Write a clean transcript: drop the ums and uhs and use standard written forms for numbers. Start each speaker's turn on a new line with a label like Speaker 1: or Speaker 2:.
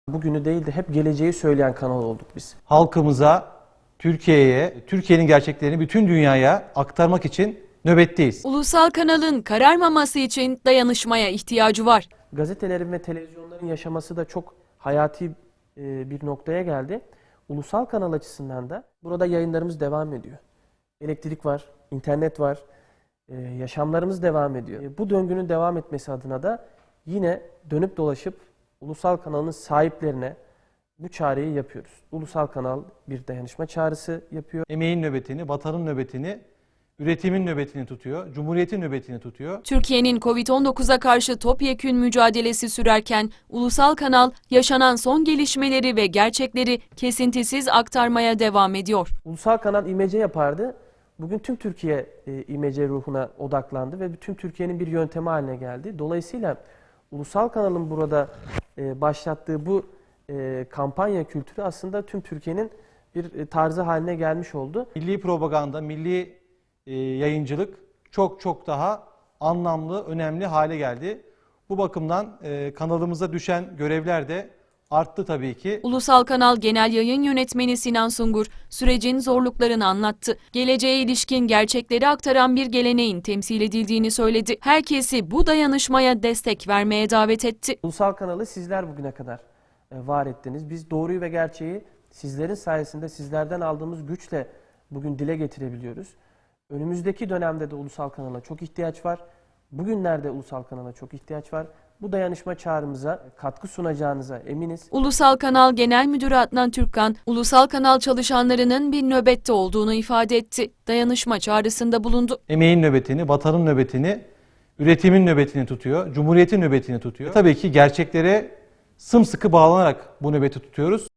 Speaker 1: Bugünü değil de hep geleceği söyleyen kanal olduk biz.
Speaker 2: Halkımıza, Türkiye'ye, Türkiye'nin gerçeklerini bütün dünyaya aktarmak için nöbetteyiz.
Speaker 3: Ulusal kanalın kararmaması için dayanışmaya ihtiyacı var.
Speaker 1: Gazetelerin ve televizyonların yaşaması da çok hayati bir noktaya geldi. Ulusal kanal açısından da burada yayınlarımız devam ediyor. Elektrik var, internet var, yaşamlarımız devam ediyor. Bu döngünün devam etmesi adına da yine dönüp dolaşıp ulusal kanalın sahiplerine bu çağrıyı yapıyoruz. Ulusal kanal bir dayanışma çağrısı yapıyor.
Speaker 2: Emeğin nöbetini, vatanın nöbetini, üretimin nöbetini tutuyor, cumhuriyetin nöbetini tutuyor.
Speaker 3: Türkiye'nin Covid-19'a karşı topyekün mücadelesi sürerken Ulusal Kanal yaşanan son gelişmeleri ve gerçekleri kesintisiz aktarmaya devam ediyor.
Speaker 1: Ulusal kanal imece yapardı. Bugün tüm Türkiye imece ruhuna odaklandı ve bütün Türkiye'nin bir yöntemi haline geldi. Dolayısıyla ulusal kanalın burada başlattığı bu kampanya kültürü aslında tüm Türkiye'nin bir tarzı haline gelmiş oldu.
Speaker 2: Milli propaganda, milli yayıncılık çok daha anlamlı, önemli hale geldi. Bu bakımdan kanalımıza düşen görevler de arttı tabii ki.
Speaker 3: Ulusal Kanal Genel Yayın Yönetmeni Sinan Sungur sürecin zorluklarını anlattı. Geleceğe ilişkin gerçekleri aktaran bir geleneğin temsil edildiğini söyledi. Herkesi bu dayanışmaya destek vermeye davet etti.
Speaker 1: Ulusal kanalı sizler bugüne kadar var ettiniz. Biz doğruyu ve gerçeği sizlerin sayesinde, sizlerden aldığımız güçle bugün dile getirebiliyoruz. Önümüzdeki dönemde de ulusal kanala çok ihtiyaç var. Bugünlerde ulusal kanala çok ihtiyaç var. Bu dayanışma çağrımıza katkı sunacağınıza eminiz.
Speaker 3: Ulusal Kanal Genel Müdürü Adnan Türkkan, Ulusal Kanal çalışanlarının bir nöbette olduğunu ifade etti. Dayanışma çağrısında bulundu.
Speaker 2: Emeğin nöbetini, vatanın nöbetini, üretimin nöbetini tutuyor, cumhuriyetin nöbetini tutuyor. Tabii ki gerçeklere sımsıkı bağlanarak bu nöbeti tutuyoruz.